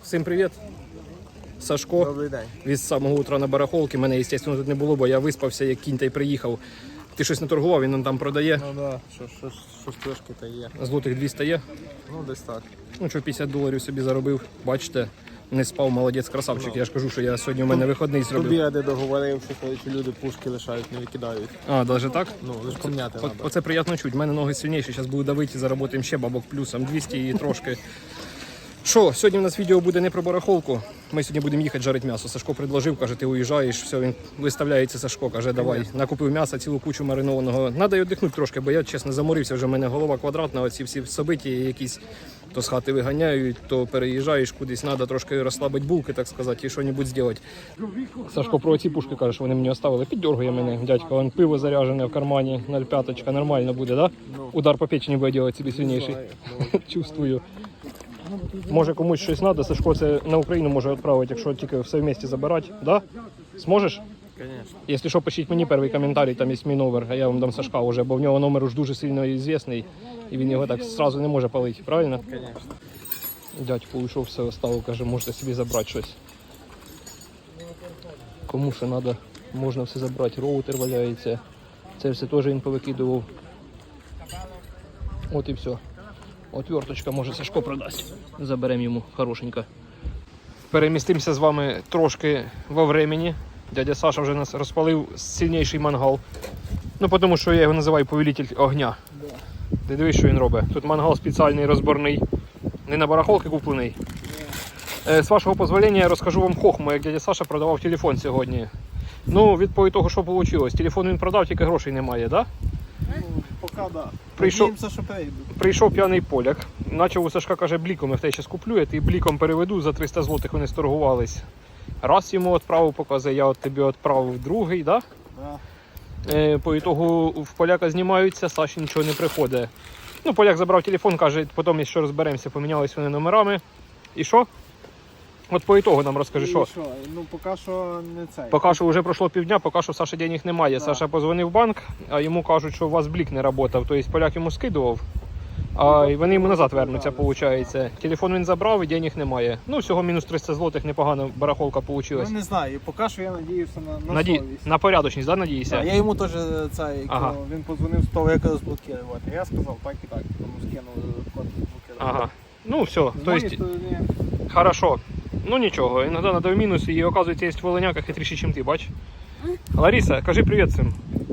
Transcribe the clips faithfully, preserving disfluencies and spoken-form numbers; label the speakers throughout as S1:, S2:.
S1: Всім привіт. Сашко.
S2: Добрий день.
S1: Від самого утра на барахолки. Мене, звісно, тут не було, бо я виспався, як кінь та й приїхав. Ти щось не торгував, він нам там продає.
S2: Ну да, що, що, що трошки та є.
S1: Злотих двісті є.
S2: Ну десь так.
S1: Ну що, п'ятдесят доларів собі заробив. Бачите, не спав, молодець, красавчик.
S2: Ну.
S1: Я ж кажу, що я сьогодні у мене вихідний
S2: Тобі
S1: зробив.
S2: я де договорив, що люди пушки лишають, не викидають.
S1: А, навіть так?
S2: Ну, лише поміняти
S1: О,
S2: треба.
S1: оце приємно чуть. У мене ноги сильніші, зараз буду давити, заработаємо ще бабок плюсом двісті і трошки. Що, сьогодні у нас відео буде не про барахолку. Ми сьогодні будемо їхати жарити м'ясо. Сашко предложив, каже, ти уїжджаєш, все, він виставляється, Сашко, каже, давай. Накупив м'яса, цілу кучу маринованого. Надо й віддихнути трошки, бо я, чесно, заморився, вже в мене голова квадратна, оці всі собиті якісь то з хати виганяють, то переїжджаєш кудись, треба трошки розслабити булки, так сказати, і що-небудь зробити. Сашко про ці пушки каже, що вони мені оставили. Піддергує мене, дядько, вон пиво заряжене в кармані, нуль п'ять, нормально буде, да? Удар по печені буде робити собі сильніший. Чувствую. Може комусь щось треба, Сашко це на Україну може відправити, якщо тільки все вместе забирати. Да? Зможеш?
S2: Звісно.
S1: Якщо що, пишіть мені перший коментарій, там є мій номер, а я вам дам Сашка вже, бо в нього номер уж дуже сильно відомий, і він його так одразу не може палити, правильно?
S2: Звісно.
S1: Дядько уйшов, все оставив, каже, можете собі забрати щось. Кому що треба, можна все забрати, роутер валяється, це все теж він повикидував. От і все. Отверточка, може, Сашко продасть. Заберемо йому хорошенько. Перемістимося з вами трошки во времени. Дядя Саша вже нас розпалив сильніший мангал. Ну, тому що я його називаю повелитель огня.
S2: Да.
S1: Ти дивись, що він робить. Тут мангал спеціальний, розборний. Не на барахолки куплений. Е, з вашого дозволення я розкажу вам хохму, як дядя Саша продавав телефон сьогодні. Ну, відповідь того, що вийшло. Телефон він продав, тільки грошей немає, так? Да?
S2: Ну, поки да.
S1: Прийшов-
S2: Надіємося, що прийдуть.
S1: Прийшов п'яний поляк, почав у Сашка, каже, бліком, я в тебе зараз куплю, я тобі бліком переведу, за триста злотих вони сторгувались. Раз йому відправив, показує, я от тобі відправив другий, да?
S2: Да.
S1: Е, по ітогу в поляка знімаються, Саші нічого не приходить. Ну, поляк забрав телефон, каже, потім, якщо розберемося, помінялись вони номерами. І що? От по ітогу нам розкажи,
S2: І
S1: що?
S2: що? Ну, поки що не цей.
S1: Поки що вже пройшло півдня, поки що Саші денег немає.
S2: Да.
S1: Саша позвонив в банк, а йому кажуть, що у вас блік не працював. Тобто поляк йому скидував, а і вони йому назад вернуться, виходить. Телефон він забрав і денег немає. Ну, всього мінус триста злотих, непогано барахолка вийшла.
S2: Ну, не знаю, поки що я надіюся на, на
S1: Наді...
S2: совість.
S1: На порядочність, да, надіюся?
S2: Да, я йому теж цей,
S1: Ага.
S2: коли він подзвонив з того, як розблокувати. Я сказав так і так, тому скинув код розблокувати.
S1: Ага. Ну, все,
S2: З
S1: то
S2: моєї
S1: есть,
S2: сторони,
S1: хорошо. Ну, нічого, іноді треба в мінус, і, оказується, є волиняка хитріші, ніж ти, бач? Лариса, кажи привіт всім.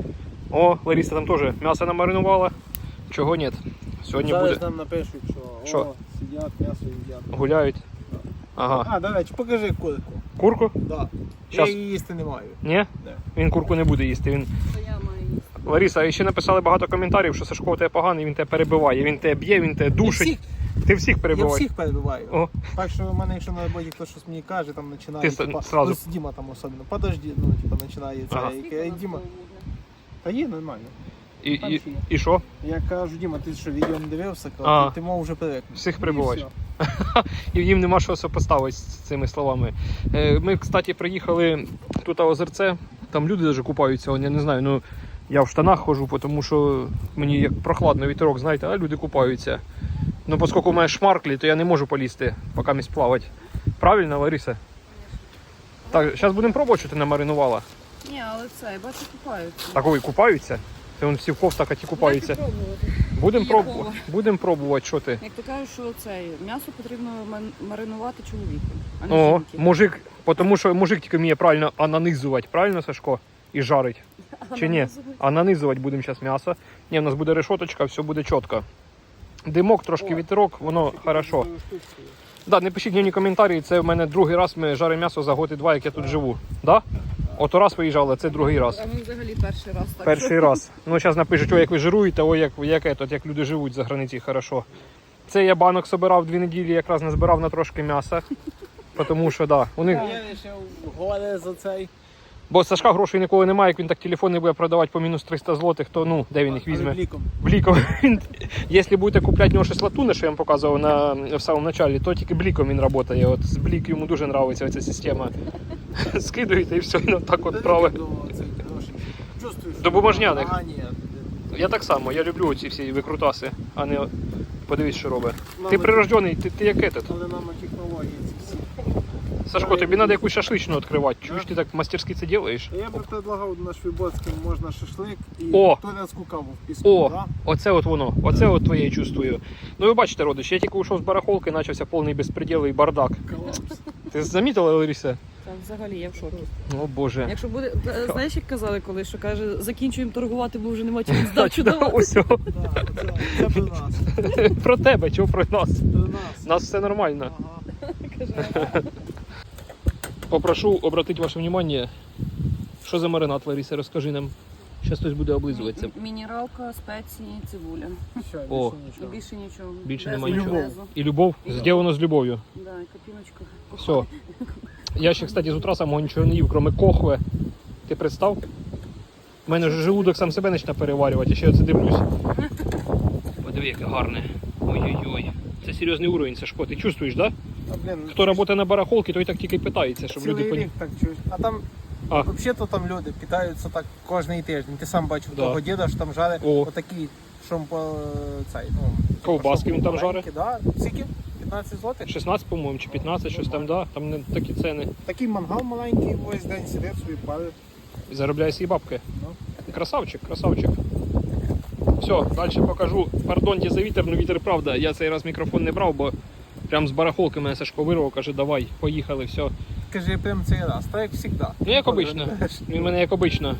S1: О, Лариса там теж м'ясо намаринувала. Чого ні? Сьогодні
S2: зараз
S1: буде.
S2: нам напишуть, що,
S1: Що?
S2: о, сидять, м'ясо їдять.
S1: Гуляють.
S2: Да.
S1: Ага.
S2: А, до речі, покажи курку.
S1: Курку?
S2: Да.
S1: Щас.
S2: Я її їсти не маю.
S1: Ні?
S2: Да.
S1: Він курку не буде їсти. Він... Лариса, і ще написали багато коментарів, що Сашко у тебе поганий, він тебе перебиває, він тебе б'є, він тебе
S2: Я
S1: душить.
S2: всіх,
S1: Ти всіх
S2: я
S1: перебиваєш.
S2: всіх перебиваю.
S1: О.
S2: Так що в мене, якщо на роботі хтось щось мені каже, там починає,
S1: Ти
S2: типа,
S1: сразу-
S2: ну, Діма там особливо, подожди, ну, типа, починає це,
S1: Ага.
S2: яке, «Ей, Діма, та є нормально.
S1: І,
S2: Там
S1: і,
S2: ще є.
S1: і що?
S2: Я кажу, Діма, ти що, відео не дивився,
S1: А.
S2: кажу, ти, ти мов вже привик.
S1: Всіх
S2: І
S1: перебиваєш.
S2: все.
S1: І їм нема що сопоставити з цими словами. Е, Ми, кстати, приїхали тут на озерце, там люди навіть купаються, он, я не знаю, ну я в штанах ходжу, тому що мені як прохладно вітерок, знаєте, а люди купаються. Ну, оскільки у мене шмарклі, то я не можу полізти, поки місь плавати. Правильно, Лариса? Так, зараз будемо пробувати, що ти намаринувала.
S3: Ні, але це, я бачу, купаються.
S1: Так, ой, купаються? Це вон всі в кофтах, а ті купаються.
S3: Дайте пробувати.
S1: Будемо
S3: Якого?
S1: пробувати, будемо пробувати, що ти.
S3: Як ти кажеш, що це м'ясо потрібно ман- маринувати чоловіку, а не
S1: О,
S3: жінки.
S1: мужик, тому що мужик тільки вміє правильно ананизувати, правильно, Сашко? І жарить. Чи ні? А нанизувати будемо зараз м'ясо. Ні, у нас буде решоточка, все буде чітко. Димок, трошки вітерок, воно хорошо. Да, не пишіть мені коментарі, це в мене другий раз ми жаримо м'ясо за год і два, як я тут живу. Да? Ото раз виїжджали, це другий раз.
S3: А ми взагалі перший раз так.
S1: Перший раз. Ну, зараз напишуть, ой, як ви жируєте, ой, як, як, етот, як люди живуть за границі, хорошо. Це я банок собирав дві неділі, якраз не збирав на трошки м'яса. Тому що, да, у них...
S2: Я вирішив горе за цей.
S1: Бо Сашка грошей ніколи немає, як він так телефони буде продавати по мінус триста злотих, то ну, де він їх візьме?
S2: Але бліком.
S1: Бліком. Якщо будете купляти в нього щось латуни, що я вам показував на, в самому початку, то тільки бліком він працює. От з блік йому дуже подобається ця система. Скидуєте і все, і так от править. До бумажняних.
S2: А, ні.
S1: Я так само, я люблю ці всі викрутаси, а не подивись, що робить.
S2: Мама,
S1: Ти прирождений, ти, ти як этот.
S2: Але нам технології. ці всі.
S1: Сашко, тобі треба якусь шашличну відкривати. Чуєш, ти так мастерськи це робиш?
S2: Я би предлагав на Швибоцькому можна шашлик і
S1: О!
S2: турецьку каву в піску.
S1: О,
S2: Да?
S1: оце от воно, оце от твоє чувствую. Ну ви бачите, родич, я тільки вийшов з барахолки, почався повний безпреділ і бардак.
S2: Колапс.
S1: Ти замітила, Лариса?
S3: Так, взагалі я в шокі.
S1: О боже.
S3: Якщо буде, е, знаєш, як казали колись, що каже, закінчуємо торгувати, бо вже нема чим здачу давати.
S1: Ось.
S2: Да, це, це про нас.
S1: Про тебе, чого про нас?
S2: Про нас.
S1: У нас все нормально.
S2: Ага.
S3: Каже,
S1: Попрошу обратити ваше внимание, що за маринад, Лариса, розкажи нам. Зараз хтось буде облизуватися.
S3: м- мінералка, спеції, цибуля.
S2: Все,
S1: О.
S2: більше
S3: І
S2: нічого.
S3: більше нічого.
S1: Більше
S3: Без
S1: нема нічого.
S3: майонезу.
S1: І любов, зроблено з любов'ю.
S3: Да, і копіночку.
S1: Все. Я ще, кстати, з утра самого нічого не їв, крім кохви. Ти представ? У мене вже желудок сам себе почне переварювати, я ще оце дивлюсь. Подиви, яке гарне. Ой-ой-ой. Це серйозний уровень, Сашко. Ти чувствуєш, так? Да?
S2: А, блін,
S1: Хто працює на барахолці, той так тільки питається, щоб
S2: цілий
S1: люди поні...
S2: рік так чуєш. А там,
S1: А.
S2: взагалі-то там люди питаються так кожний тиждень. Ти сам бачив
S1: Да.
S2: того діда, що там жарить
S1: О.
S2: отакі, що по цей, ну,
S1: Ковбаски
S2: щоб
S1: він там
S2: маленькі, Да. Скільки? п'ятнадцять злотих?
S1: шістнадцять, по-моєму, чи п'ятнадцять, щось там, да? Там не такі ціни.
S2: Такий мангал маленький, весь день сидить собі палить.
S1: І заробляє свої бабки.
S2: Ну.
S1: Красавчик, красавчик. Все, далі покажу. Пардонте за вітер, ну вітер правда. Я цей раз мікрофон не брав, бо прям з барахолки мене Сашко вирвав, каже, давай, поїхали, все.
S2: Кажи прям цей раз, так як завжди.
S1: Ну як обично. Він мене як обично.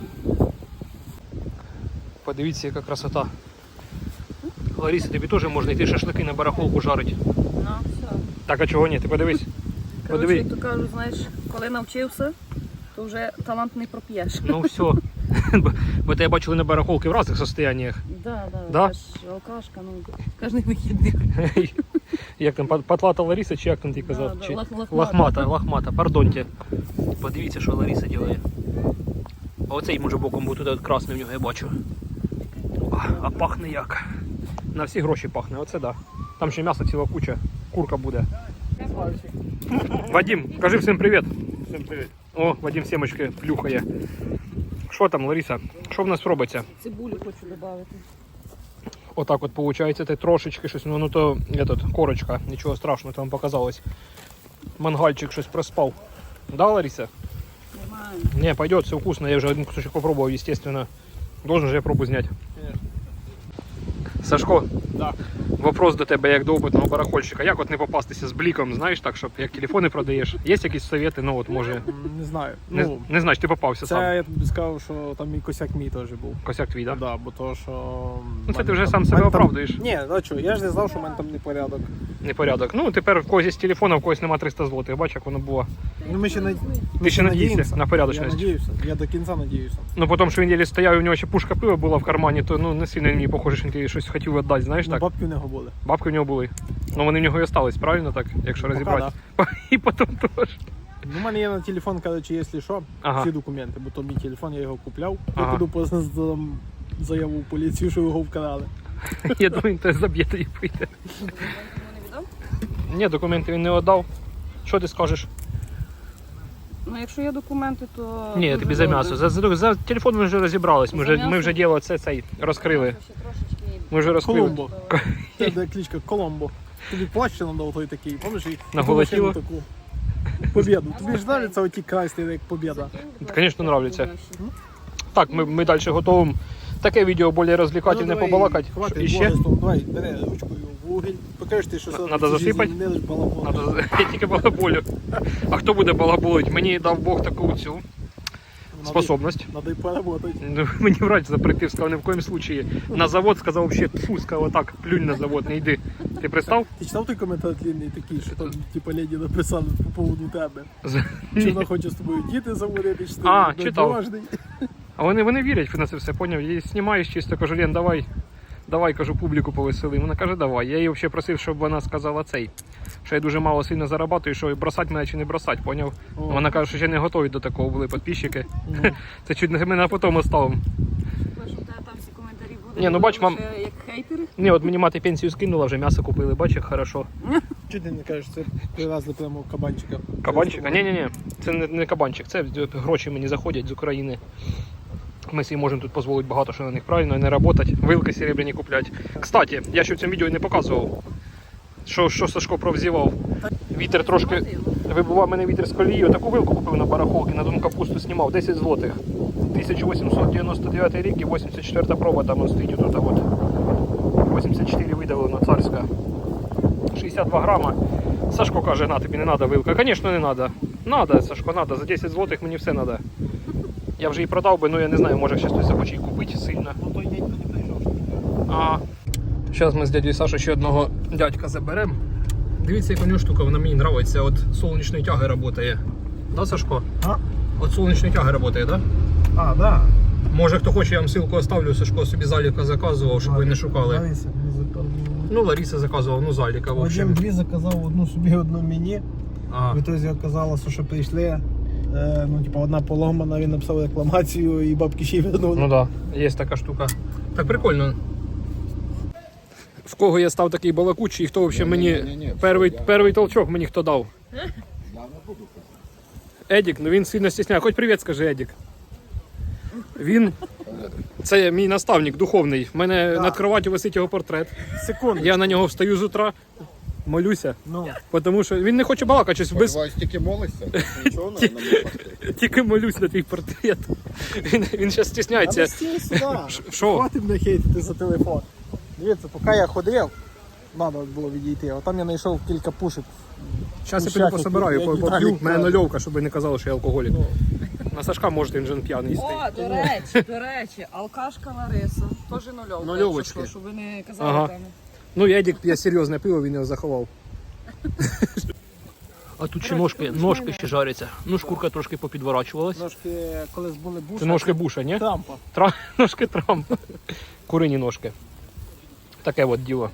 S1: Подивіться, яка красота. Лариса, тобі теж можна йти шашлики на барахолку жарити.
S3: Ну, все.
S1: Так, а чого ні? Ти подивись.
S3: Коротше,
S1: Подиви.
S3: як то кажуть, знаєш, коли навчився, то вже талант не проп'єш.
S1: Ну все. Бо тебе бачили на барахолки в різних состояннях.
S3: Да, да,
S1: Да?
S3: я ж алкашка, ну, кожен вихідний.
S1: Як там, патлата Лариса, чи як там ти казав?
S3: Да, да,
S1: Чи...
S3: лах- лахмата.
S1: Лахмата, лахмата, пардонте. Подивіться, що Лариса робить. А оцей може боком буде туди от красний в нього, я бачу. А, а пахне як. На всі гроші пахне, оце да. Там ще м'ясо ціла куча, курка буде. Вадим, кажи всім привіт.
S2: Всім привіт.
S1: О, Вадим сімочки плюхає. Що там, Лариса? Що в нас робиться?
S3: Цибулю хочу додати.
S1: Отак от виходить, це трошечки щось, ну, ну то этот, корочка, нічого страшного, там показалось. Мангальчик щось проспав. Да, Лариса?
S3: Нормально.
S1: Не, пойдет, все вкусно, я вже один кусочек попробовал, естественно. Должен же я пробу снять. Сашко,
S2: Да.
S1: вопрос до тебе, як до опитного барахольщика. Як от не попастися з бліком, знаєш, так, щоб як телефони продаєш? Є якісь совєти, ну от може.
S2: М, Не знаю.
S1: Не,
S2: Ну,
S1: не знаєш, ти попався
S2: це
S1: сам.
S2: я тобі сказав, що там і косяк мій теж був.
S1: Косяк твій, так? Да?
S2: Да, бо то, що...
S1: Ну, це
S2: мене
S1: ти вже
S2: там-
S1: сам себе
S2: мене там-
S1: оправдуєш.
S2: Ні, ну що, я ж не знав, що в мене там непорядок.
S1: Непорядок. Ну, тепер в когось є телефон, а в когось нема триста злотих. Бач, як воно було.
S2: Ну ми ще над...
S1: Ти ще надійся
S2: надіємося.
S1: на
S2: Я
S1: порядочність.
S2: надіюся, я до кінця надіюся.
S1: Ну, потім, що він єлі стояв, і в нього ще пушка пива була в кармані, то ну, не сильно мені похоже, що він тобі щось хотів віддати, знаєш,
S2: Ну,
S1: так?
S2: бабки в нього були.
S1: Бабки в нього були. Ну, вони в нього і остались, правильно так, якщо
S2: Пока,
S1: розібрати? І потім теж.
S2: Ну, у мене є на телефон, коротше, якщо що,
S1: Ага.
S2: всі документи, бо то мій телефон, я його купляв.
S1: Ага.
S2: Я піду просто здам заяву в поліцію, що його вкрали.
S1: Я думаю, він тебе заб'є тоді прийде.
S3: Йому не віддав?
S1: Ні, документи він не віддав. Що ти скажеш?
S3: Ну, якщо є документи, то...
S1: Ні,
S3: дуже
S1: тобі за
S3: добре.
S1: м'ясо. За, за, за телефон ми вже розібрались. Ми
S3: За
S1: вже, ми
S3: м'ясо?
S1: вже діло це цей розкрили.
S3: М'ясо ще трошечки...
S1: Ми вже розкрили.
S2: Колумбо. Це де кличка Коломбо. Тобі плащ надав той такий, пам'ятаєш? і
S1: На
S2: ту
S1: голе
S2: машину
S1: тіло?
S2: таку. Побєду. Тобі ж нравиться оті красні, як побєда.
S1: Звісно, нравиться. Так, ми, ми далі готуємо таке відео більш розвлекательне,
S2: Ну, давай,
S1: побалакати.
S2: хватить
S1: І ще?
S2: благостом, давай, бери ручкою в вугіль. Покажеш ти, що це
S1: Надо засипати?
S2: не лиш балабол.
S1: Надо, я тільки балаболю. А хто буде балаболить? Мені дав Бог таку цю способність.
S2: Надо й поработати.
S1: Ну, мені врач запретив, сказав, ні в коєму случаї. На завод сказав, взагалі, фу, сказав, отак, плюнь на завод, не йди. Ти пристав?
S2: Ти читав той коментар длинний такий, що там, типа, леді написали по поводу тебе?
S1: З-
S2: Чи вона хоче з тобою діти заводити, чи ти
S1: А,
S2: не
S1: читав.
S2: поважний?
S1: А вони, вони вірять на це все, поняв? Я її знімаєш чисто, кажу, Лен, давай, давай, кажу, публіку повесели. Вона каже, давай. Я її взагалі просив, щоб вона сказала цей, що я дуже мало сильно зарабатую, що бросати мене чи не бросати, поняв?
S2: О.
S1: Вона каже, що ще не готові до такого були підписчики.
S2: Мгм.
S1: Це чуть не мене потім оставимо.
S3: Що в тебе там всі коментарі будуть?
S1: Ні, ну, бач, мам-
S3: лише як хейтери?
S1: Ні, от мені мати пенсію скинула, вже м'ясо купили, бачиш, як хорошо.
S2: Чи ти не кажеш, це привезли прямо кабанчика?
S1: Кабанчика? Ні, ні, ні. Це не, не кабанчик, це гроші мені заходять з України. Ми собі можемо тут дозволити багато що на них правильно, і не працювати, вилки серебряні купляти. Кстати, я ще в цьому відео не показував. Що, що Сашко провзівав? Вітер трошки вибивав мене вітер з колії. Таку вилку купив на барахолки, на Донкапусту знімав, десять злотих. тисяча вісімсот дев'яносто дев'ятий рік і вісімдесят четверта проба там стоїть тут. От. вісімдесят чотири видавлено, царська. шістдесят два грама. Сашко каже, на, тобі не треба вилка. Звісно, не треба. Надо, Сашко, надо. За десять злотих мені все треба. Я вже її продав би, ну я не знаю, може ще хтось захоче її купити сильно.
S2: Ну той дядько не прийшов.
S1: А, зараз ми з дядькою Сашою ще одного дядька заберемо. Дивіться, яка у нього штука, вона мені подобається. От сонячної тяги працює. Да, Сашко?
S2: А?
S1: От сонячної тяги працює, да?
S2: А, да.
S1: Може хто хоче, я вам ссылку оставлю, Сашко собі заліка заказував, щоб ви не шукали.
S2: Лариса мені заказувала.
S1: Ну, Лариса заказував, ну заліка, в
S2: Вадим
S1: общем.
S2: дві заказав, одну собі, одну мені.
S1: А,
S2: В ітозі оказалося, що прийшли. Е, ну, типа, одна поломана, він написав рекламацію і бабки ще й вернули.
S1: ну да, є така штука. Так прикольно. В кого я став такий балакучий, хто взагалі мені перший, перший толчок мені хто дав? Едік, ну він сильно стісняє. Хоч привіт скажи, Едік. Він, це мій наставник духовний. В мене над кроваттю висить його портрет.
S2: Секунду.
S1: Я на нього встаю з утра, молюся.
S2: Ну.
S1: Тому що він не хоче балакати, щось без...
S4: Сподіваюсь, тільки молишся? Нічого не не
S1: тільки молюсь на твій портрет. Він, він зараз стісняється.
S2: Але стій сюди.
S1: Що?
S2: Хватить мене хейтити за телефон. Дивіться, поки я ходив, треба було відійти, а там я знайшов кілька пушок.
S1: Зараз я
S2: Шахи,
S1: піду пособираю,
S2: як
S1: поп'ю.
S2: Віталік
S1: У мене
S2: каже.
S1: нульовка, щоб ви не казали, що я алкоголік. На Сашка може він вже п'яний стоїть.
S3: О, до речі, до речі, алкашка Лариса. Теж нульовка.
S1: Нульовочки.
S3: якщо що, щоб ви не казали
S1: Ага.
S3: там.
S1: Ну, Едік п'є серйозне пиво, він його заховав. А тут ще ножки, ножки ще жаряться. Ну, шкурка трошки попідворачувалась.
S2: Ножки колись були буша.
S1: Це ножки Буша, ні?
S2: Трампа.
S1: Тра... Ножки Трампа. Курині ножки. Таке от діло.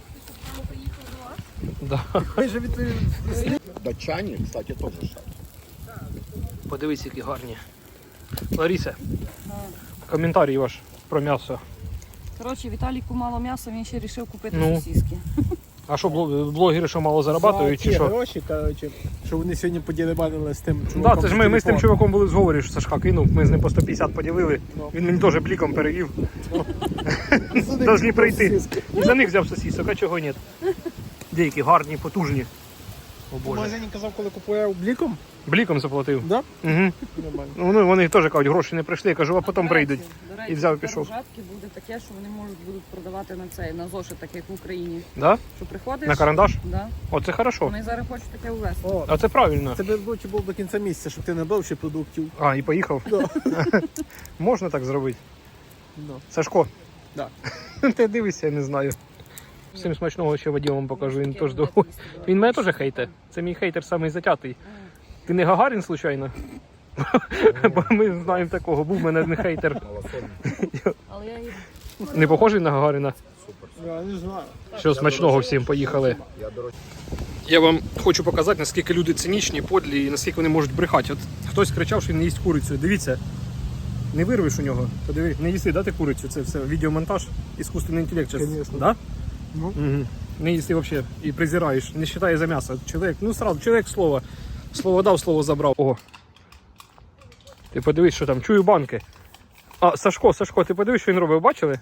S1: Да.
S2: Ми же від...
S4: Датчані, кстати, теж шаг.
S1: Подивись, які гарні. Лариса, коментарій ваш про м'ясо.
S3: Коротше, Віталіку мало м'яса, він ще вирішив купити
S1: Ну.
S3: сосиски.
S1: А що, блог- блогери що мало зарабатують,
S2: За
S1: чи
S2: ті
S1: що?
S2: гроші, коротше, що вони сьогодні поділибанили з тим
S1: Так,
S2: чуваком.
S1: да, це ж ми, ми з тим чуваком були в зговорі, що Сашка кинув, ми з ним по сто п'ятдесят поділили.
S2: Ну.
S1: Він мені теж бліком перевів. Должні прийти. І за них взяв сосисок, а чого ні? Деякі гарні, потужні. О
S2: В
S1: Боже.
S2: магазині казав, коли купував бліком.
S1: Бліком заплатив.
S2: Да?
S1: Угу.
S2: Нормально.
S1: Ну, вони теж кажуть, гроші не прийшли, я кажу, а потім
S3: До речі,
S1: прийдуть.
S3: до речі,
S1: І взяв і
S3: тепер
S1: пішов.
S3: у жатки буде таке, що вони можуть будуть продавати на цей, на зошит, так як в Україні.
S1: Да?
S3: Що приходиш?
S1: На карандаш?
S3: Да.
S1: О, це хорошо.
S3: Вони зараз хочуть таке ввести.
S2: О,
S1: А це правильно.
S2: це би лучше був до кінця місяця, щоб ти не брав ще продуктів.
S1: А, і поїхав. Можна так зробити.
S2: Ну.
S1: Сашко.
S2: Да.
S1: Ти дивишся, я не знаю. Всім смачного ще Вадиму вам покажу, він теж доволі. Він мене теж хейте. Це мій хейтер самий затятий. Ти не Гагарін, случайно? Бо ми знаємо такого, був в мене не хейтер.
S3: Але я їх
S1: Не похожий на Гагаріна?
S2: Я не знаю.
S1: Що смачного всім, поїхали.
S4: Я, до речі,
S1: Я вам хочу показати, наскільки люди цинічні, подлі і наскільки вони можуть брехати. От хтось кричав, що він не їсть курицю. Дивіться, не вирвеш у нього. Подиви, не їсти, да, ти курицю? Це все відеомонтаж, іскусственний інтелект. Зараз.
S2: Конечно.
S1: Да?
S2: Ну.
S1: Угу. Не їсти взагалі і презираєш, не вважає за м'ясо. Чоловік, ну сразу, чоловік слово. Слово дав, слово забрав. Ого. Ти подивись, що там, чую банки. А, Сашко, Сашко, ти подивись, що він робив, бачили?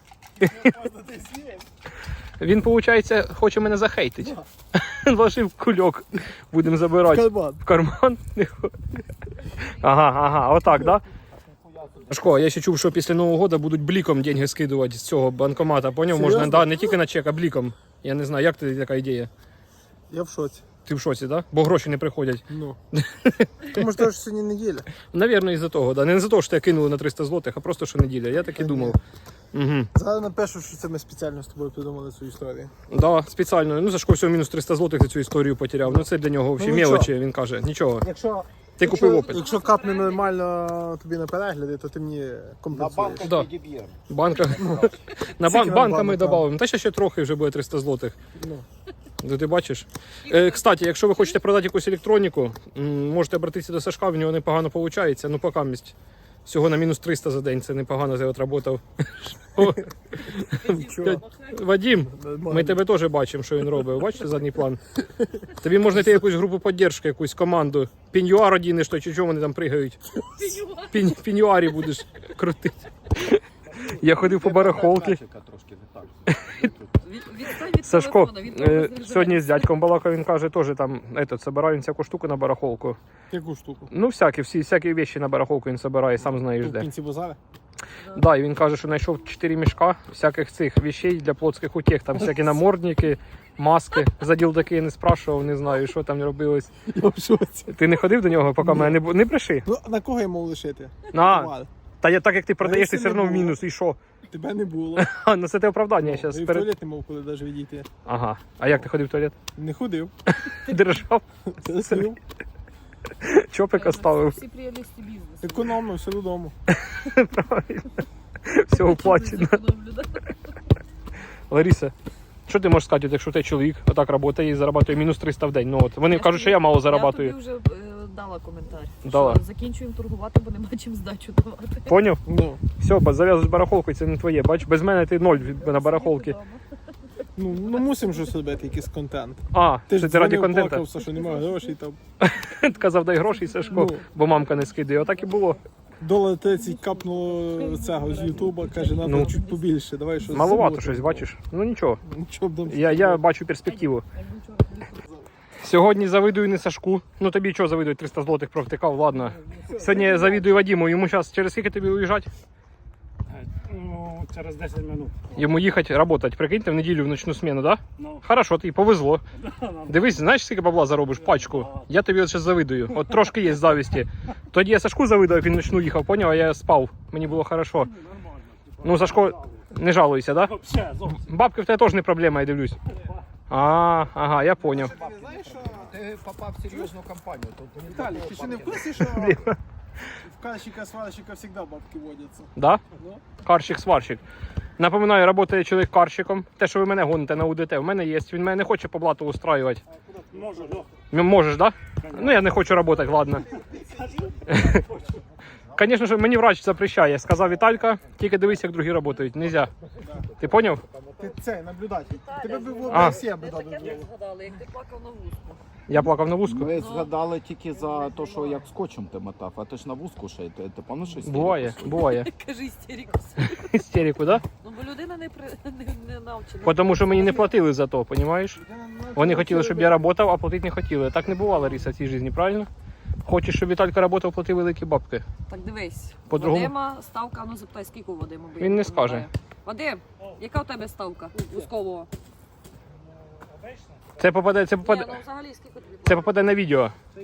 S1: Він, виходить, хоче мене захейтити. Вложив кульок. Будемо забирати
S2: Карман.
S1: в карман. Ага, ага, отак, да? Сашко, я ще чув, що після Нового року будуть бліком деньги скидувати з цього банкомата. Поняв? Можна,
S2: Серйозно?
S1: да, не тільки на чек, а бліком. Я не знаю, як тобі така ідея?
S2: Я в шоці.
S1: Ти в шоці, да? Бо гроші не приходять.
S2: Ну. Тому що ж сьогодні неділя.
S1: Навірно, із-за того, да. Не за того, що тебе кинули на триста злотих, а просто що неділя. Я так і думав. Угу.
S2: Зараз напишу, що це ми спеціально з тобою придумали цю історію.
S1: Да, спеціально. Ну, Сашко всього мінус триста злотих за цю історію потеряв. Ну, це для нього взагалі
S2: Ну, нічого.
S1: мелочі, він каже. Нічого.
S2: Якщо,
S1: Ти купив
S2: якщо,
S1: опит.
S2: якщо капне нормально тобі на перегляди, то ти мені
S4: на
S2: компенсуєш.
S4: банках
S1: Да.
S4: відіб'ємо.
S1: Банка. На
S2: Скільки
S1: бан...
S2: вам
S1: банками
S2: банок там?
S1: додамо. Та ще ще трохи вже буде триста злотих.
S2: Ну.
S1: Ну, ти бачиш. Е, кстати, якщо ви хочете продати якусь електроніку, м, можете обратитися до Сашка, в нього непогано виходить. Ну, поки місць. Всього на мінус триста за день, це непогано, ти отработав.
S2: Нічого.
S1: Вадим,
S2: Нормально.
S1: ми тебе теж бачимо, що він робить. Бачите задній план? Тобі можна йти якусь групу підтримки, якусь команду. Піньюар одінеш, то чи чого вони там пригають. Пінь, піньюарі будеш крутити. Я ходив по барахолки.
S4: Трошки не так.
S3: Від- відстань від
S1: Сашко,
S3: телефона, він
S1: е,
S3: того заряджається.
S1: сьогодні з дядьком балакав, він каже, теж там, этот, собираю він всяку штуку на барахолку.
S2: Яку штуку?
S1: Ну, всякі, всі, всякі вещи на барахолку він собирає, сам знаєш
S2: Тут в
S1: де.
S2: кінці базара?
S1: Да, і він каже, що знайшов чотири мішка всяких цих вещей для плотських утех, там всякі намордники, маски. За ділдаки не спрашував, не знаю, що там робилось.
S2: Я в шоці.
S1: Ти не ходив до нього, поки мене не, бу- не бреши?
S2: Ну, на кого я мав лишити?
S1: На,
S2: Товар.
S1: та я так як ти продаєш, ти
S2: Лариси
S1: все
S2: не
S1: одно в
S2: було.
S1: мінус, і що?
S2: Тебе не було.
S1: А, ну це те оправдання
S2: Ну,
S1: зараз.
S2: і в
S1: Перед...
S2: туалет не мав коли навіть відійти.
S1: Ага. А як ти ходив в туалет?
S2: Не ходив.
S1: Держав,
S2: Сидів.
S1: чопика ставив.
S3: Всі прелісті бізнесу.
S2: Економно, все додому.
S1: Правильно. Все оплачено.
S3: Зекономлю, да?
S1: Лариса, що ти можеш сказати, от якщо ти чоловік отак працює і заробляє мінус триста в день? Ну от вони
S3: Я
S1: кажуть,
S3: ж
S1: що я мало
S3: Я
S1: заробляю.
S3: тобі вже е, дала коментар.
S1: Дала.
S3: Що закінчуємо торгувати, бо нема чим здачу давати.
S1: Поняв?
S2: Ну,
S1: Все, бо зав'язуєш барахолку, і це не твоє. Бач, без мене ти ноль від- на барахолки.
S2: ну, ну мусимо ж робити якийсь контент.
S1: А,
S2: Ти
S1: що
S2: ж
S1: ти раді
S2: дзвонив,
S1: контенту.
S2: плакався, що немає грошей там.
S1: Казав, дай гроші, Сашко,
S2: Ну.
S1: бо мамка не скидає. Отак і було.
S2: Долар тридцять капнуло цього з Ютуба, каже, треба
S1: Ну.
S2: чуть побільше, давай щось.
S1: Маловато
S2: зробимо.
S1: щось, бачиш? Ну нічого.
S2: Нічого б там
S1: Я, я бачу перспективу. Сьогодні завидую не Сашку. Ну тобі що завидую, триста злотих провтикав, ладно. Сьогодні я завидую Вадиму, йому зараз через скільки тобі уїжджати?
S5: Ну, через десять минут.
S1: Йому їхати працювати, прикиньте, в неділю в ночну зміну, так? Да?
S5: Ну,
S1: Хорошо, тобі повезло. Дивись, знаєш, скільки бабла заробиш? Пачку. Я тобі от зараз завидую. От трошки є завісті. Тоді я Сашку завидував, він ночну їхав, поняв, а я спав. Мені було хорошо.
S5: нормально.
S1: Ну, Сашко, не жалуйся, так? Да?
S5: Вообще, зовсім.
S1: Бабки в тебе теж не проблема, я дивлюсь. А, ага, я поняв.
S2: Ти не знаєш, що...
S4: Ти попав в серйозну компанію. Тут не
S2: Віталій, ти ще не в курсі, що в кальщика, сварщика завжди бабки водяться?
S1: Да?
S2: Ну.
S1: Карщик-сварщик. Напоминаю, працює чоловік карщиком. Те, що ви мене гоните на УДТ, в мене є. Він мене не хоче по блату устраювати.
S5: Може, ну.
S1: Ну, можеш, так? Да? Ну, я не хочу працювати, ладно. Звісно ж, мені врач запрещає. Сказав Віталька, тільки дивись, як другі працюють. Нельзя. Ти поняв?
S2: Ти цей, наблюдатель. Тебе б в
S1: А.
S2: ОБСЄ би
S3: Ми таке
S2: дали.
S3: не згадали, як ти плакав на вузку.
S1: Я плакав на вузку.
S4: Ми згадали тільки за те, що як скотчем ти мотав, а ти ж на вузку ще й ти, ти пам'ятаєш історію
S1: Буває,
S4: свою?
S1: буває.
S3: Кажи істеріку.
S1: Істерику, так?
S3: Ну, бо людина не, при... не, не навчена.
S1: Да? Тому що мені не платили за то, розумієш? Вони хотіли, щоб я працював, а платити не хотіли. Так не бувало, Лариса, в цій житті, правильно? Хочеш, щоб Віталька працював, плати великі бабки.
S3: Так дивись.
S1: По-другому?
S3: Вадима ставка, ну запитай, скільки у Вадима бо я
S1: Він не
S3: пам'ятаю.
S1: скаже.
S3: Вадим, яка у тебе ставка вузкового?
S1: Це попаде, це
S3: Ні,
S1: попаде,
S3: ну взагалі скільки тобі?
S1: це попаде на відео.
S5: Е,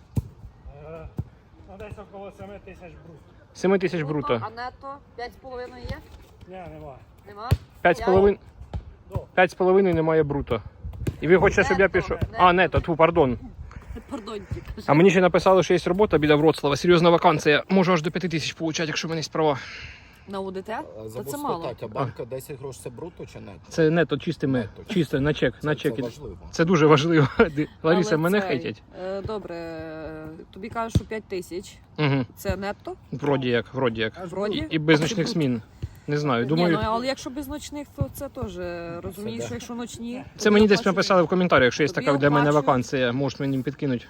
S5: Ну, десь около семи тисяч брут.
S1: сім тисяч бруто.
S3: А нетто п'ять з половиною є?
S5: Ні, немає.
S3: Нема?
S1: П'ять з половин-
S5: До.
S1: п'ять з половиною немає бруто. І ви хочете, щоб я
S3: Нетто,
S1: пішов.
S3: нетто.
S1: А, нето, тьфу, пардон.
S3: Пардоньте.
S1: А мені ще написали, що є робота біля Вроцлава, серйозна вакансія. Можу аж до п'яти тисяч отримати, якщо в мене є справа.
S3: На УДТ?
S4: А,
S3: Та
S4: Забув
S3: це мало.
S4: спитати, а банка десять грошей це бруто чи нет?
S1: Це нето, чистими,
S4: Нетто.
S1: чисто, на чек, на
S4: Це,
S1: чек.
S4: це важливо.
S1: Це дуже важливо. Лариса,
S3: Але
S1: мене
S3: цей,
S1: хейтять.
S3: е, Добре, е, тобі кажуть, що п'ять тисяч.
S1: Угу.
S3: Це нетто?
S1: Вроді як, вроді як.
S3: Вроді?
S1: І без ночних змін. Не знаю,
S3: Ні,
S1: думаю.
S3: ну але якщо без ночних, то це теж е, розумієш,
S4: да.
S3: що якщо ночні.
S1: Це
S3: тобі
S1: мені десь
S3: оплачують-
S1: написали в коментарях, що є
S3: Тобі
S1: така для мене
S3: оплачують.
S1: вакансія. Можеш мені підкинути.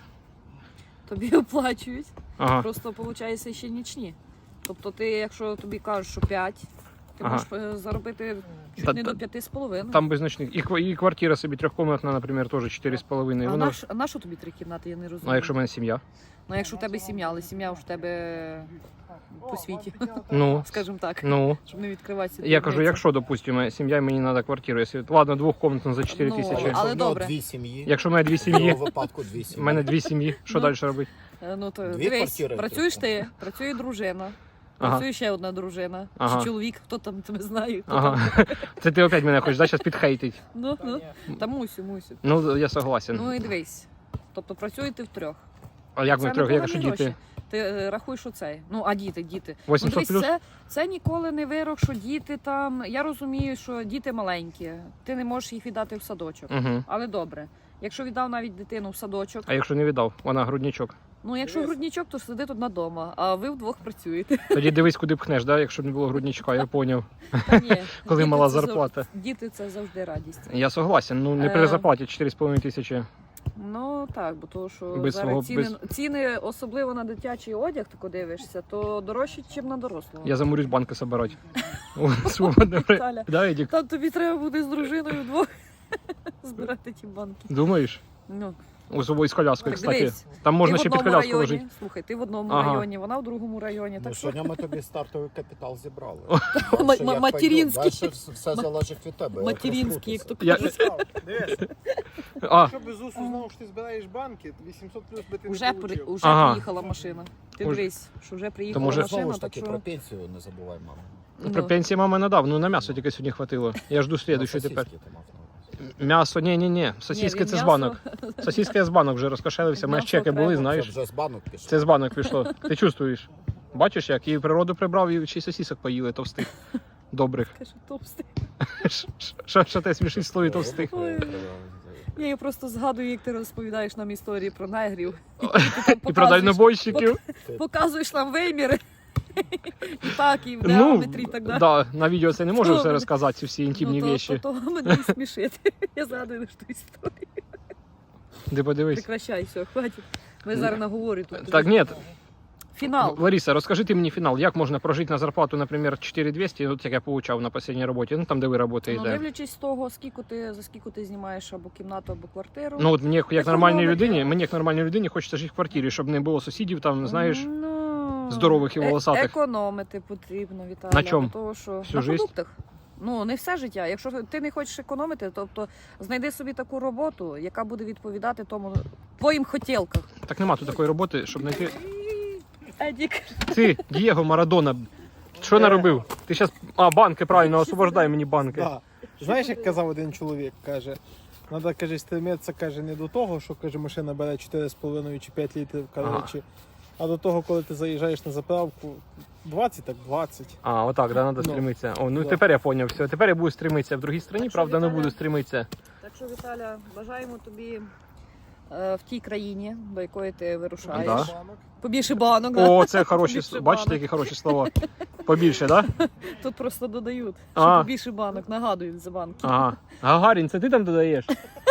S3: Тобі оплачують.
S1: Ага.
S3: Просто виходить ще нічні. Тобто ти, якщо тобі кажуть, що п'ять, ти
S1: Ага.
S3: можеш е, заробити чуть
S1: Та-
S3: не
S1: та-
S3: до п'яти з половиною.
S1: Там без ночних. І, ква- і квартира собі трьохкомнатна, наприклад, теж чотири з половиною.
S3: А
S1: Вона...
S3: на, ш- а на що тобі три кімнати, я не розумію.
S1: А якщо в мене сім'я?
S3: Ну якщо в тебе сім'я, але сім'я в тебе по світі,
S1: Ну,
S3: скажімо так,
S1: ну.
S3: щоб не відкриватися.
S1: Я кажу, якщо, допустимо, сім'я, мені треба квартиру. Якщо... Ладно, двохкомнатну за чотири
S3: Ну,
S1: тисячі.
S3: але
S4: в нього
S3: добре.
S4: дві сім'ї.
S1: Якщо в мене дві
S4: В
S1: сім'ї,
S4: його випадку дві
S1: в
S4: сім'ї.
S1: мене дві сім'ї, що
S3: Ну.
S1: далі робити?
S3: Ну то
S4: Дві
S3: дивись,
S4: квартири
S3: працюєш
S4: тільки.
S3: ти, працює дружина,
S1: Ага.
S3: працює ще одна дружина,
S1: Ага.
S3: чи чоловік, хто там тебе знає, хто
S1: Ага.
S3: там.
S1: Це ти опять мене хочеш, да, зараз підхейтить.
S3: Ну, ну, та мусю, мусю.
S1: Ну, я согласен.
S3: Ну і дивись. Тобто працюєте втрьох.
S1: А як ми
S3: Це
S1: трьох,
S3: непогані
S1: якщо діти?
S3: гроші. Ти е, рахуй, що це. Ну, а діти, діти. Ну,
S1: вісімсот
S3: дивись,
S1: плюс?
S3: це, це ніколи не вирок, що діти там. Я розумію, що діти маленькі, ти не можеш їх віддати в садочок.
S1: Угу.
S3: Але добре. Якщо віддав навіть дитину в садочок,
S1: А якщо не віддав, вона грудничок.
S3: ну якщо грудничок, то сиди тут вдома, а ви вдвох працюєте.
S1: Тоді дивись, куди пхнеш, да? Якщо б не було грудничка, я поняв.
S3: Та ні,
S1: Коли
S3: діти
S1: мала
S3: це зав-
S1: зарплата.
S3: Діти це завжди радість.
S1: Я согласен, ну не при
S3: Е.
S1: зарплаті чотири з половиною тисячі.
S3: Ну так, бо то, що
S1: Без
S3: зараз
S1: свого-
S3: ціни,
S1: без-
S3: ціни, особливо на дитячий одяг, ти дивишся, то дорожчі, ніж на дорослого.
S1: Я замурюсь банки собирати. О, свободне время.
S3: Таля.
S1: Да, Едік?
S3: Там тобі треба буде з дружиною вдвох збирати ті банки.
S1: Думаєш?
S3: Ну,
S1: У собою з коляскою,
S3: так
S1: кстати.
S3: дивись,
S1: Там можна
S3: ти
S1: ще
S3: в
S1: під
S3: одному
S1: коляску
S3: районі,
S1: ложити.
S3: слухай, ти в одному
S1: Ага.
S3: районі, вона в другому районі.
S4: Ну,
S3: Так що
S4: сьогодні ми тобі стартовий капітал зібрали.
S3: Ма-
S4: Дальше
S3: ма-
S4: як
S3: материнський.
S4: пойдет, дальше все- все залежить від тебе. як
S3: материнський, як то
S4: розкрутиться.
S3: кажуть.
S2: Дивись,
S1: А,
S2: якщо без усу знав, що ти збираєш банки, вісімсот плюс би ти
S3: Уже,
S2: не
S3: при,
S2: получив.
S3: уже
S1: Ага.
S3: приїхала машина. Ти
S1: Уже.
S3: дивись, що вже приїхала
S1: може-
S3: машина,
S4: Знову ж
S3: так
S4: таки,
S3: що...
S4: про пенсію не забувай, мама.
S3: Ну,
S1: при пенсії мама надав, ну на м'ясо тільки сьогодні хватило. Я жду слідущу
S4: Сосиски
S1: тепер.
S4: ти мав на увазі.
S1: М'ясо, ні, ні, ні. Сосиски
S3: він
S1: це з
S3: м'ясо-
S1: банок. Сосиски я з банок вже розкошелився, у мене ж
S3: М'ясо
S1: чеки були,
S3: треба.
S4: Це
S1: знаєш.
S4: вже з банок пішло.
S1: Це з банок пішло. Ти чувствуєш? Бачиш як? І природу прибрав, і ще й сосисок поїли товстих. Добрих.
S3: Каже, товстий.
S1: Що, що те смішні слові товстих?
S3: Ой. Я її просто згадую, як ти розповідаєш нам історії про негрів. І,
S1: І про дальнобойщиків.
S3: Показуєш нам виміри. І так, і в
S1: Ну,
S3: діаметрі, і так далі.
S1: да, на відео це не можу
S3: Ну,
S1: все розказати, ці всі інтимні
S3: ну, то,
S1: вещі.
S3: то, то мене і смішить. Я згадую лише ту історію.
S1: Ти подивись.
S3: Прекращай, все, хватить. Ми зараз наговорю тут.
S1: Так, ні,
S3: Фінал.
S1: Лариса, розкажи ти мені фінал. Як можна прожити на зарплату, наприклад, чотири тисячі двісті, от як я получав на останній роботі, ну там, де ви
S3: Ну,
S1: працюєте.
S3: дивлячись з того, скільки ти, за скільки ти знімаєш або кімнату, або квартиру.
S1: Ну, от мені як
S3: Економити.
S1: нормальній людині, мені як нормальній людині хочеться жити в квартирі, щоб не було сусідів там, знаєш.
S3: Ну,
S1: здорових і
S3: е-
S1: волосатих.
S3: Економити потрібно, Віталій.
S1: На чому?
S3: Того, що...
S1: Всю
S3: на
S1: жизнь?
S3: продуктах. Ну, не все життя. Якщо ти не хочеш економити, тобто знайди собі таку роботу, яка буде відповідати тому твоїм хотілкам.
S1: Так нема тут такої роботи, щоб знайти.
S3: Едік.
S1: Ти, Дієго Марадона, що наробив? Ти зараз. А, банки, правильно, освобождай мені банки.
S2: Да. Знаєш, як казав один чоловік, каже, треба, каже, стремитися, каже, не до того, що, каже, машина бере чотири з половиною чи п'ять літрів, коротше, а до того, коли ти заїжджаєш на заправку, двадцять, так двадцять.
S1: А, отак, да, треба
S2: Ну,
S1: стремитися. О, ну
S2: да.
S1: тепер я зрозумів, все. Тепер я буду стремитися в другій країні,
S3: Так що,
S1: правда, не
S3: Віталя?
S1: буду стремитися.
S3: Так що, Віталя, бажаємо тобі е, в тій країні, до якої ти вирушаєш.
S1: Да.
S3: Побільше банок. да?
S1: О, це хороші,
S3: Побільше
S1: бачите,
S3: банок.
S1: які хороші слова. Побільше, так? Да?
S3: Тут просто додають,
S1: А.
S3: що побільше банок, нагадують за банки.
S1: Ага. Гагарін, це ти там додаєш?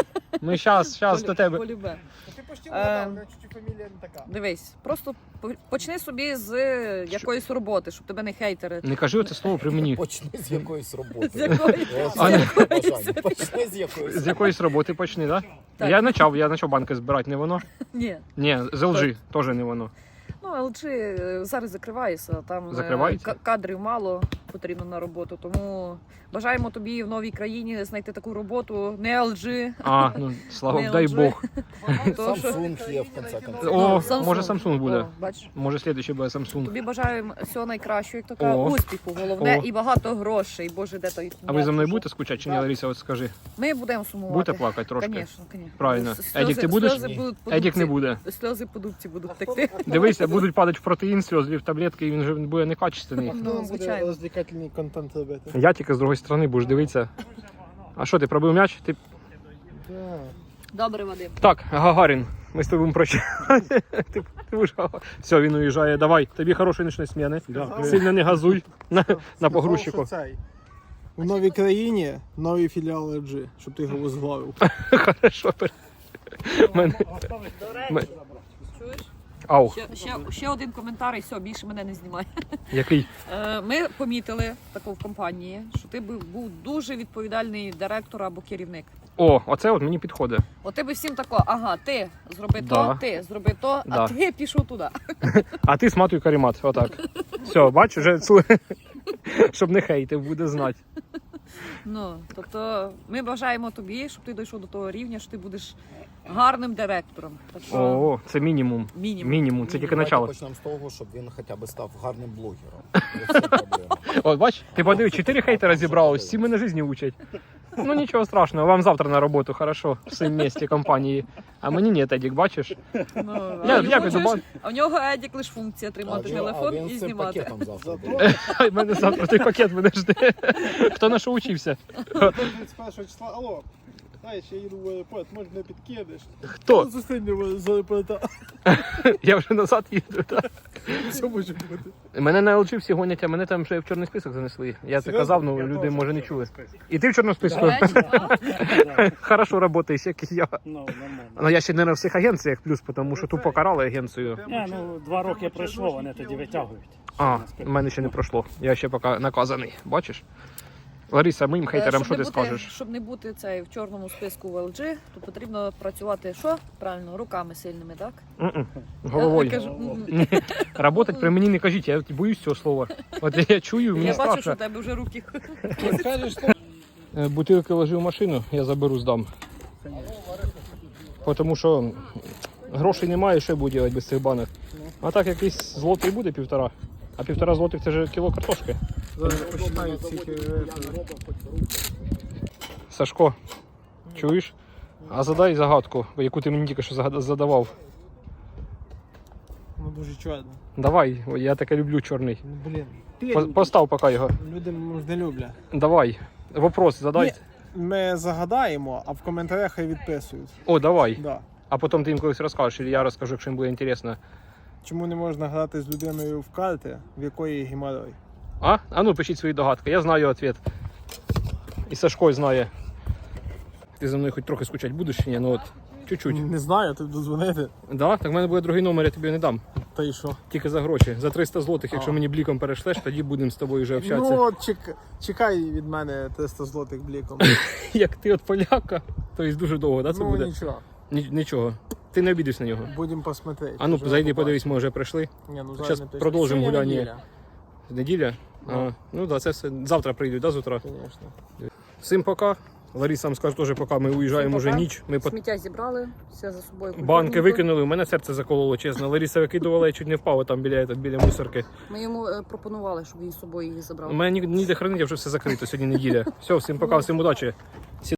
S1: Ми зараз, зараз до тебе.
S3: Полюбе.
S2: Ти почти
S3: вгадав,
S2: у мене чуть-чуть фамілія не така.
S3: Дивись, просто по- почни собі з е, якоїсь роботи, щоб тебе не хейтери.
S1: Не кажи оце слово при мені.
S4: Почни з якоїсь роботи.
S3: З якої-
S4: Ось
S1: А,
S4: це
S1: не-
S4: бажання. Почни з якоїсь.
S1: З якоїсь роботи почни, так?
S3: Так.
S1: Я почав, я почав банки збирати, не воно?
S3: Ні.
S1: Ні, з ел джі, теж не воно.
S3: Ну, ел джі е, зараз закривається, там е,
S1: Закривається?
S3: ка- кадрів мало потрібно на роботу, тому бажаємо тобі в новій країні знайти таку роботу, не ел джі.
S1: А, ну слава
S3: Не
S1: дай
S3: ел джі.
S1: Бог.
S3: То, що-
S4: Samsung є в кінці конців.
S1: О,
S3: Samsung.
S1: може Samsung буде.
S3: О, бачиш?
S1: Може слідуючий буде Samsung.
S3: Тобі бажаємо всього найкращого, як то кажуть,
S1: О.
S3: успіху, головне,
S1: О.
S3: і багато грошей. Боже, де той.
S1: А ви за мною
S3: м'яч
S1: будете скучати чи ні, Лариса, от скажи?
S3: пішов? Ми будемо сумувати.
S1: Будете плакати трошки?
S3: Звісно, звісно.
S1: Правильно.
S3: Сльози-
S1: Едік, ти будеш?
S3: Сльози будуть по
S1: Едік не
S3: дубці-
S1: буде.
S3: Сльози по дубці будуть текти.
S1: Дивися, будуть падати в протеїн, сльози в таблетки, і він вже буде некачественний.
S3: Ну,
S2: Ну, буде
S3: звичайно.
S2: розвлекательний контент робити.
S1: Я тільки з другої сторони будеш дивитися. А що, ти пробив м'яч? Ти...
S2: Да.
S3: Добре, Вадим.
S1: Так, Гагарін, ми з тобою прощаємося. Ти, ти будеш Гагарін. Все, він уїжджає. Давай, тобі хорошої нічної сміни. Сильно не газуй на, на погрузчику.
S2: Сказав, що цей. У новій країні новий філіал ел джі, щоб ти його возглавив.
S1: Хорошо. пер- Мене...
S3: До
S1: Ми-
S3: речі, чуєш?
S1: Ау,
S3: Ще, ще, ще один коментар і все, більше мене не знімає.
S1: який?
S3: Е, Ми помітили таку в компанії, що ти був, був дуже відповідальний директор або керівник.
S1: О, оце от мені підходить.
S3: От ти би всім тако, ага, ти зроби
S1: Да.
S3: то, ти зроби то,
S1: Да.
S3: а ти пішов туди.
S1: А ти сматуй карімат, отак. Все, бачиш, вже цу- щоб не хейтив, буде знати.
S3: Ну, тобто ми бажаємо тобі, щоб ти дійшов до того рівня, що ти будеш гарним директором. Так що
S1: О, це мінімум.
S3: мінімум.
S1: Мінімум, це тільки
S4: Давайте
S1: начало.
S4: почнемо з того, щоб він хоча б став гарним блогером. І все проблема.
S1: От бач, ти подиви, чотири хейтера зібралось, всі мене житті учать. Ну нічого страшного, вам завтра на роботу, хорошо, в цьому місті компанії. А мені ні, Едік, бачиш?
S3: Ну, а,
S1: Я-
S3: його
S1: я піду
S3: чуєш?
S1: бан-
S3: А в нього Едік лише функція тримати
S4: А
S3: телефон
S4: він
S3: і
S4: з цим
S3: знімати.
S4: пакетом завтра
S2: Зато
S4: буде.
S1: Ай, мене завтра той пакет мене жде. Хто на що учився?
S2: тридцять першого числа, алло, знаєш, я їду в аеропорт, може мене підкидеш.
S1: Хто?
S2: Зустрінь мене з аеропорта.
S1: Я вже назад їду. Так.
S2: Все може бути.
S1: Мене на ел джі всі гонять, а мене там вже в чорний список занесли. Я це казав, ну люди може не чули. І ти в чорному списку?
S3: До речі, так.
S1: Хорошо працюєш, як і я.
S5: Ну, нормально.
S1: Ну я ще не на всіх агенціях плюс, тому що тупо карали агенцію.
S5: Ні, ну, два роки пройшло, вони тоді витягують.
S1: А, в мене ще не пройшло. Я ще поки наказаний, бачиш? Лариса, моїм
S3: Е,
S1: хейтерам що
S3: щоб
S1: ти
S3: не бути-
S1: скажеш?
S3: Щоб не бути цей в чорному списку в ел джі, то потрібно працювати що? Правильно, руками сильними, так?
S1: М-м.
S3: Я
S1: Головою.
S3: кажу, м,
S1: Работать при мені не кажіть, я боюсь цього слова. От я чую, мені
S3: я бачу, що
S1: страшно.
S3: в тебе вже руки.
S2: Скажеш,
S1: Е, Бутилки ложи в машину, я заберу, здам. Тому що грошей немає, що я буду робити без цих банок. А так якийсь злотий буде півтора. А півтора злотих це ж кіло картошки.
S2: зараз починають ці
S1: Сашко, чуєш? А задай загадку, яку ти мені тільки що загад- задавав.
S2: ну дуже чорно.
S1: Давай, я таке люблю чорний.
S2: Ну, блін.
S1: По- Постав поки його.
S2: Люди може, не люблять.
S1: Давай. Вопрос задай.
S2: Ні, ми загадаємо, а в коментарях хай відписують.
S1: О, давай.
S2: Да.
S1: А потім ти їм колись розкажеш, і я розкажу, якщо їм буде інтересно.
S2: Чому не можна грати з людиною в карти, в якої геморрой?
S1: А? А ну пишіть свої догадки. Я знаю відповідь. І Сашко знає. Ти за мною хоч трохи скучати будеш чи ні? Ну от, чуть-чуть.
S2: Не знаю, тобі дозвонити.
S1: Да? Так в мене буде другий номер, я тобі не дам.
S2: Та й що?
S1: Тільки за гроші. За триста злотих, якщо
S2: А.
S1: мені бліком перешлеш, тоді будемо з тобою вже общатися.
S2: Ну, от чек... чекай від мене триста злотих бліком.
S1: Як ти от поляка, то є дуже довго, да, це
S2: Ну
S1: буде?
S2: нічого,
S1: Ні- Нічого. Ти не обідиш на нього.
S2: будемо посмотрети.
S1: А ну,
S2: Вже
S1: зайди,
S2: побачимо.
S1: подивись, ми вже прийшли.
S2: Ні, ну,
S1: Щас
S2: зараз не точно.
S1: продовжимо
S2: Сьогодні
S1: гуляння.
S2: неділя,
S1: Неділя? А, ну так, да, це все. Завтра прийдуть, да, з утра?
S2: Звісно.
S1: Всім пока. Лариса вам скаже теж пока. Ми уїжджаємо
S3: Всім
S1: вже
S3: пока.
S1: ніч. Ми по...
S3: Сміття зібрали, все за собою.
S1: банки
S3: культурненько.
S1: викинули, у мене серце закололо, чесно. Лариса викидувала, я чуть не впав там біля, біля, біля мусорки.
S3: Ми йому е, пропонували, щоб він з собою її забрав.
S1: У мене ні- ніде хранить, вже все закрито, сьогодні неділя. Все, всім пока, всім удачі.